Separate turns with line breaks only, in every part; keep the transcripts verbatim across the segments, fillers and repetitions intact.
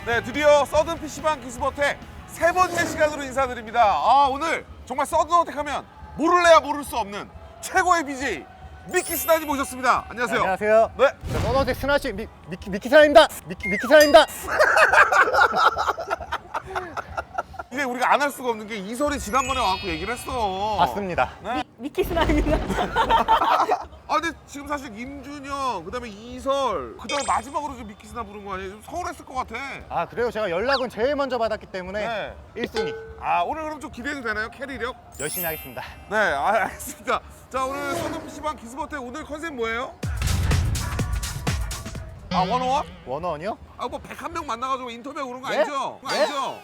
네, 드디어 서든 피시방 기스버텍 세 번째 시간으로 인사드립니다. 아, 오늘 정말 서든 어택 하면 모를래야 모를 수 없는 최고의 비제이 미키 스나님 모셨습니다. 안녕하세요.
안녕하세요.
네.
저 서든어택 스나씨 미, 미키, 미키 사입니다. 미키, 미키 사입니다.
이게 우리가 안 할 수가 없는 게 이설이 지난번에 와갖고 얘기를 했어.
맞습니다.
네?
미키 스나입니다.
아, 근데 지금 사실 임준영, 그 다음에 이설, 그 다음에 마지막으로 좀 미키 스나 부른 거 아니에요? 좀 서운했을 것 같아.
아 그래요? 제가 연락은 제일 먼저 받았기 때문에
네.
일 순위
아, 오늘 그럼 좀 기대해도 되나요? 캐리력?
열심히 하겠습니다.
네, 아, 알겠습니다. 자, 오늘 서든 피시방 기스버텍 오늘 컨셉 뭐예요? 아, 원어원?
원어원이요?
아, 뭐 백한 명 만나가지고 인터뷰하고 그런 거
네?
아니죠? 그거
네?
아니죠?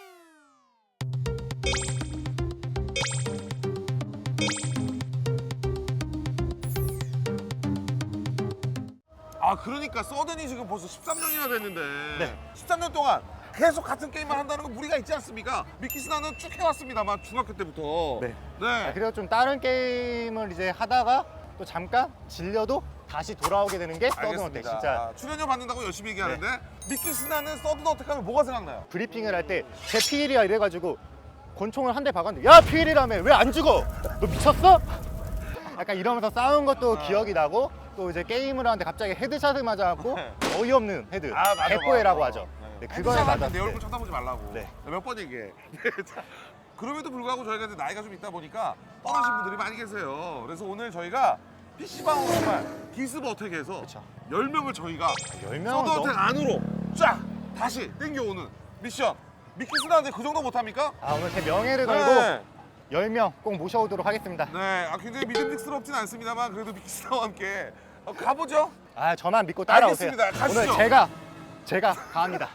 아, 그러니까 서든이 지금 벌써 십삼 년이나 됐는데
네.
십삼 년 동안 계속 같은 게임만 한다는 건 무리가 있지 않습니까? 미키 스나는 쭉 해왔습니다만 중학교 때부터.
네.
네.
아, 그리고 좀 다른 게임을 이제 하다가 또 잠깐 질려도 다시 돌아오게 되는 게 서든어택.
알겠습니다.
진짜
출연료 받는다고 열심히 얘기하는데 미키 스나는 서든 어택 하면 뭐가 생각나요?
브리핑을 할 때 제 피일이야 이래가지고 권총을 한 대 박았는데 야 피일이라며 왜 안 죽어? 너 미쳤어? 약간 이러면서 싸운 것도 기억이 나고 또 이제 게임을 하는데 갑자기 헤드샷을 맞아갖고 어이없는 헤드
아, 맞아,
개뽀해라고
맞아.
하죠. 네,
헤드샷
그거에
할때
맞았을
내
때
얼굴 쳐다보지 말라고.
네.
몇 번 얘기해. 자, 그럼에도 불구하고 저희가 이제 나이가 좀 있다 보니까 떠나신 분들이 많이 계세요. 그래서 오늘 저희가 피시방으로 정말 기스버텍에서
그쵸.
열 명을 저희가
열 명은 너무...
서든어택 안으로 쫙 다시 땡겨오는 미션. 미키 스나한테 그 정도 못합니까?
아 오늘 제 명예를 걸고
네.
열 명 꼭 모셔오도록 하겠습니다.
네, 아, 굉장히 믿음직스럽진 않습니다만 그래도 미키 스나와 함께 어, 가보죠.
아 저만 믿고 따라오세요.
알겠습니다. 가시죠.
오늘 제가 제가 가합니다.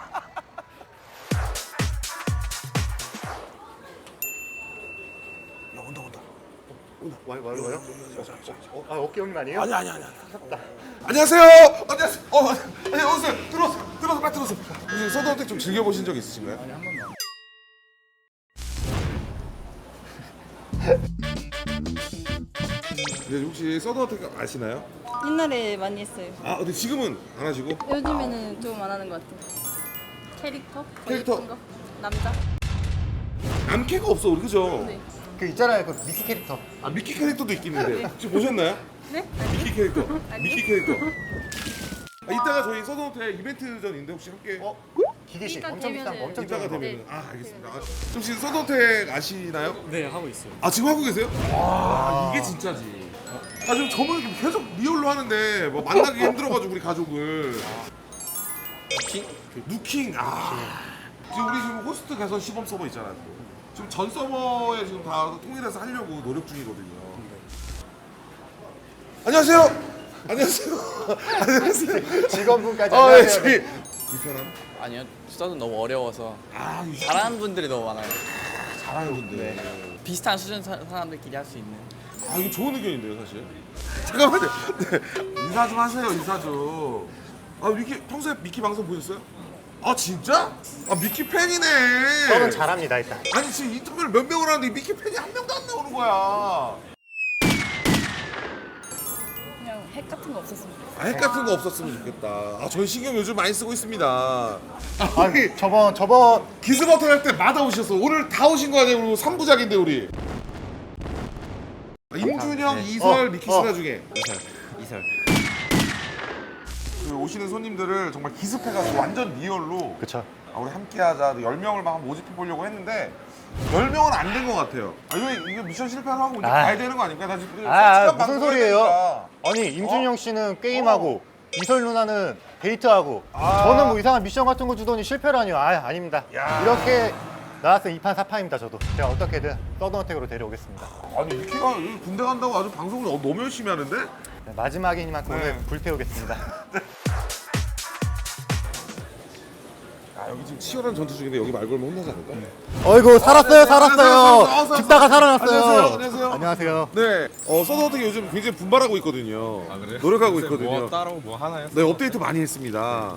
야, 온다 온다.
온다. 와요 와요 와요. 어, 아 어깨 형님 아니에요?
아니 아니 아니. 안녕하세요. 안녕하세요. 어, 네, 오세요. 들어오세요. 들어오세요. 빨리 들어오세요. 혹시 서든어택 좀 즐겨 보신 적 있으신가요? 아니 한 번만. 네, 혹시 서든어택 아시나요?
옛날에 많이 했어요.
아, 근데 지금은 안 하시고?
요즘에는 좀 안 하는 것 같아요. 캐릭터? 더
캐릭터.
예쁜 거? 남자?
남캐가 없어, 우리 그죠?
네.
그 있잖아요 그 미키 캐릭터.
아, 미키 캐릭터도 있긴 있는데 혹시 보셨나요?
네?
미키 캐릭터.
아니요.
미키 캐릭터. 아, 이따가 저희 서든어택 이벤트전인데 혹시 함께
어 기계식
이따
엄청 비싼 거
되면은-
엄청
이따가
비싼 거.
되면
네.
아, 알겠습니다. 아, 혹시 서든어택 아시나요?
네, 하고 있어요.
아, 지금 하고 계세요? 와, 이게 진짜지. 아, 지금 저번에 계속 리얼로 하는데 뭐 만나기 힘들어가지고 우리 가족을.
킹?
누킹. 아. 지금 우리 지금 호스트 개선 시범 서버 있잖아요. 또. 지금 전 서버에 지금 다 통일해서 하려고 노력 중이거든요. 안녕하세요. 안녕하세요. 안녕하세요.
직원분까지
아, 네,
안녕하세요.
저기 불편함.
아니요, 서든 너무 어려워서
아, 이
잘하는 분들이 너무 많아요.
잘하는 분들.
비슷한 수준 사, 사람들끼리 할 수 있는.
아, 이거 좋은 의견인데요, 사실. 잠깐만요. 네. 인사 좀 하세요, 인사 좀. 아, 미키 평소에 미키 방송 보셨어요? 아, 진짜? 아, 미키 팬이네.
저는 잘합니다 일단.
아니, 지금 인터뷰를 몇 명을 하는데 미키 팬이 한 명도 안 나오는 거야.
그냥 핵 같은 거 없었으면 좋겠어요.
아, 핵 같은 거 없었으면 좋겠다. 아, 저희 신경 요즘 많이 쓰고 있습니다. 아,
아 저번 저번
기스버터 할 때마다 오셨어. 오늘 다 오신 거 아니에요? 그리고 삼 부작인데 우리. 아, 임준영,
네.
이설,
어,
미키
어.
스나 중에
이설. 이설.
그 오시는 손님들을 정말 기습해가지고 완전 리얼로
그쵸.
아, 우리 함께하자 열 명을 막 모집해 보려고 했는데 열 명은 안 된 것 같아요. 아, 이거, 이거 미션 실패를 하고 이제
아.
가야 되는 거 아닙니까? 나 지금
아, 아
솔직한
무슨
방송을 해야
소리예요?
되니까.
아니 임준영 씨는 게임하고 이설 누나는 데이트하고
아.
저는 뭐 이상한 미션 같은 거 주더니 실패라니요. 아 아닙니다.
야.
이렇게 나왔으면 이판 사판입니다 저도. 제가 어떻게든 서든어택으로 데려오겠습니다.
아니 미키가 군대 간다고 아주 방송을 너무 열심히 하는데?
네, 마지막이니만큼
네.
오늘 불태우겠습니다.
아, 여기 지금 치열한 전투 중인데 여기 말 걸면 혼나지 않을까?
어이구 살았어요
네,
살았어요.
안녕하세요.
죽다가 살아났어요.
안녕하세요. 안녕하세요.
안녕하세요.
네, 어, 서든어택 요즘 굉장히 분발하고 있거든요.
아, 그래요?
노력하고
요새
있거든요.
뭐 따로 뭐 하나요?
네, 업데이트 많이 했습니다.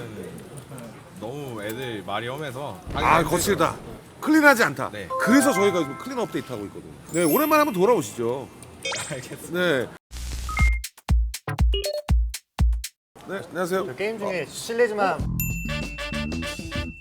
너무 애들 말이 험해서
아, 거칠다. 클린하지 않다.
네.
그래서 저희가 지금 클린 업데이트 하고 있거든요. 네, 오랜만에 한번 돌아오시죠.
알겠습니다.
네. 네, 안녕하세요.
저 게임 중에 실례지만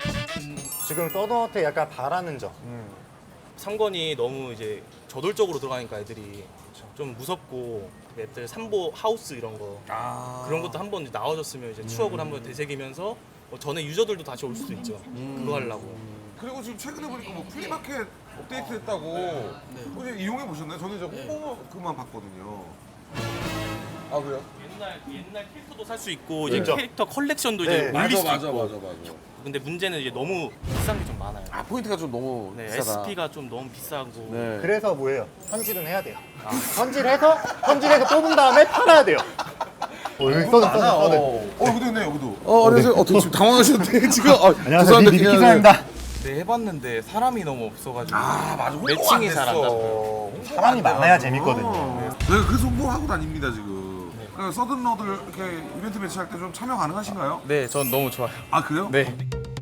지금 서든어택 약간 바라는 점.
삼 권이 너무 이제 저돌적으로 들어가니까 애들이 좀 무섭고 맵들 삼보 하우스 이런 거
아.
그런 것도 한번 나와줬으면 이제 추억을 한번 되새기면서 뭐 전에 유저들도 다시 올 수도 있죠. 그거 하려고.
그리고 지금 최근에 보니까 뭐 플리마켓 업데이트 했다고 혹시 이용해 보셨나요? 저는 이제 홍보 그만 봤거든요. 아 그래요?
옛날 옛날 캐릭터도 살 수 있고 이제
그렇죠.
캐릭터 컬렉션도
네.
이제 올릴 수 있고.
맞아.
근데 문제는 이제 너무 비싼 게 좀 많아요.
아 포인트가 좀 너무
네,
비싸다.
에스피가 좀 너무 비싸고.
네.
그래서 뭐예요? 현질은 해야 돼요. 현질해서 현질해서 뽑은 다음에 팔아야 돼요. 어, 여기 서든 서든 서든.
어, 어 여기도 있네 여기도. 어 안녕하세요. 어 지금 당황하셨는데 지금. 어,
안녕하세요.
죄송한데
미-
그냥-
미키사입니다.
네 해봤는데 사람이 너무 없어가지고
아 맞아. 홍보가
매칭이
안
잘 안
됐어.
잡혀요.
홍보가
사람이
안
많아야
돼가지고.
재밌거든요.
네, 그래서 홍보하고 다닙니다 지금. 그러니까 서든러들 이렇게 이벤트 매치할 때 좀 참여 가능하신가요?
네, 전 너무 좋아요.
아 그래요?
네.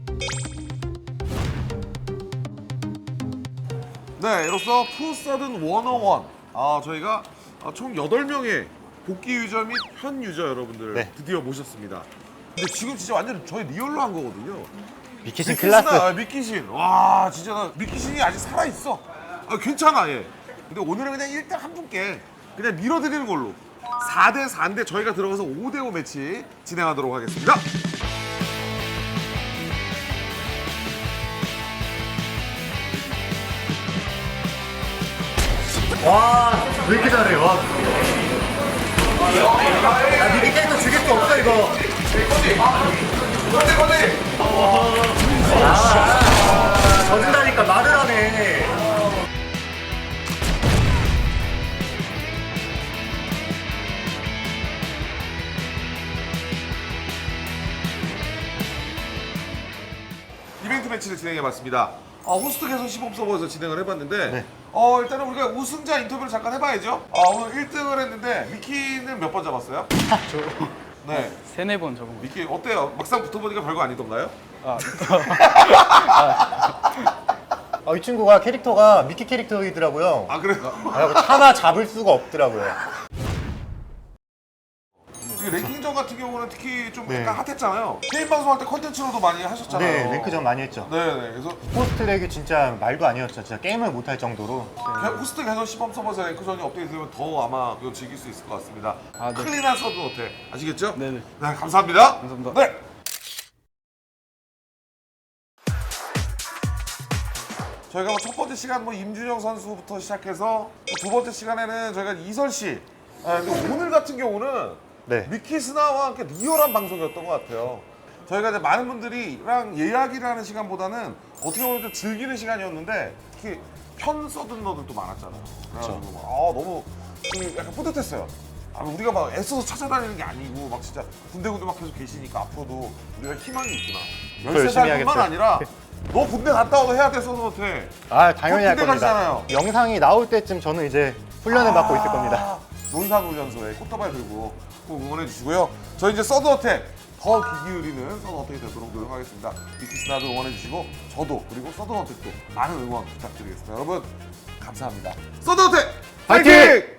네, 이로써 푸서든 백일. 아, 저희가 총 여덟 명의 복귀 유저 및 현 유저 여러분들
네.
드디어 모셨습니다. 근데 지금 진짜 완전 저희 리얼로 한 거거든요.
미키신
미키신아,
클라스.
아, 미키신. 와, 진짜 나 미키신이 아직 살아있어. 아, 괜찮아, 얘. 근데 오늘은 그냥 일 등 한 분께 그냥 밀어드리는 걸로 사 대 사인데 저희가 들어가서 오 대 오 매치 진행하도록 하겠습니다.
와, 왜 이렇게 잘해? 와. 야, 미키 캐릭터 죽일 수 없어 이거. 아, 져준다니까 말을 하네.
이벤트 매치를 진행해봤습니다. 어, 호스트 개선 시범 서버에서 진행을 해봤는데
네.
어, 일단은 우리가 우승자 인터뷰를 잠깐 해봐야죠. 어, 오늘 일 등을 했는데 미키는 몇 번 잡았어요? 네.
세네 번 적은 거.
미키 어때요? 막상 붙어보니까 별거 아니던가요?
아, 이 친구가 캐릭터가 미키 캐릭터이더라고요.
아 그래요?
아, 차마 잡을 수가 없더라고요.
지금 랭킹전 같은 경우는 특히 좀
네.
약간 핫했잖아요. 게임 방송할 때 컨텐츠로도 많이 하셨잖아요.
네, 랭크전 많이 했죠.
네네. 그래서
포스트랙이 진짜 말도 아니었죠. 진짜 게임을 못할 정도로.
개- 호스트 개선 시범 서버에서 랭크전이 업데이트되면 더 아마 이거 즐길 수 있을 것 같습니다.
아, 네.
클린한 서든 어때? 아시겠죠?
네네.
네, 감사합니다.
감사합니다.
네. 저희가 뭐 첫 번째 시간 뭐 임준영 선수부터 시작해서 두 번째 시간에는 저희가 이설 씨. 아, 근데 오늘 같은 경우는
네.
미키스나와 함께 리얼한 방송이었던 것 같아요. 저희가 이제 많은 분들이랑 이야기를 하는 시간보다는 어떻게 보면 좀 즐기는 시간이었는데 특히 편 서든러들도 많았잖아요. 그래가지고 막, 아 너무 좀 약간 뿌듯했어요. 아, 우리가 막 애써서 찾아다니는 게 아니고 막 진짜 군데군데 막 계속 계시니까 앞으로도 우리가 희망이 있구나.
더 열심히
열세 살뿐만
해야겠어요.
아니라 너 군대 갔다 와도 해야 돼 서든한테.
아, 당연히 할
군대
겁니다.
가시잖아요.
영상이 나올 때쯤 저는 이제 훈련을 받고 있을 겁니다.
논산훈련소에 꽃다발 들고 꼭 응원해 주시고요. 저희 이제 서든어택 더 귀 기울이는 서든어택이 되도록 노력하겠습니다. 미키스나도 응원해 주시고 저도 그리고 서든어택도 많은 응원 부탁드리겠습니다. 여러분 감사합니다. 서든어택
파이팅!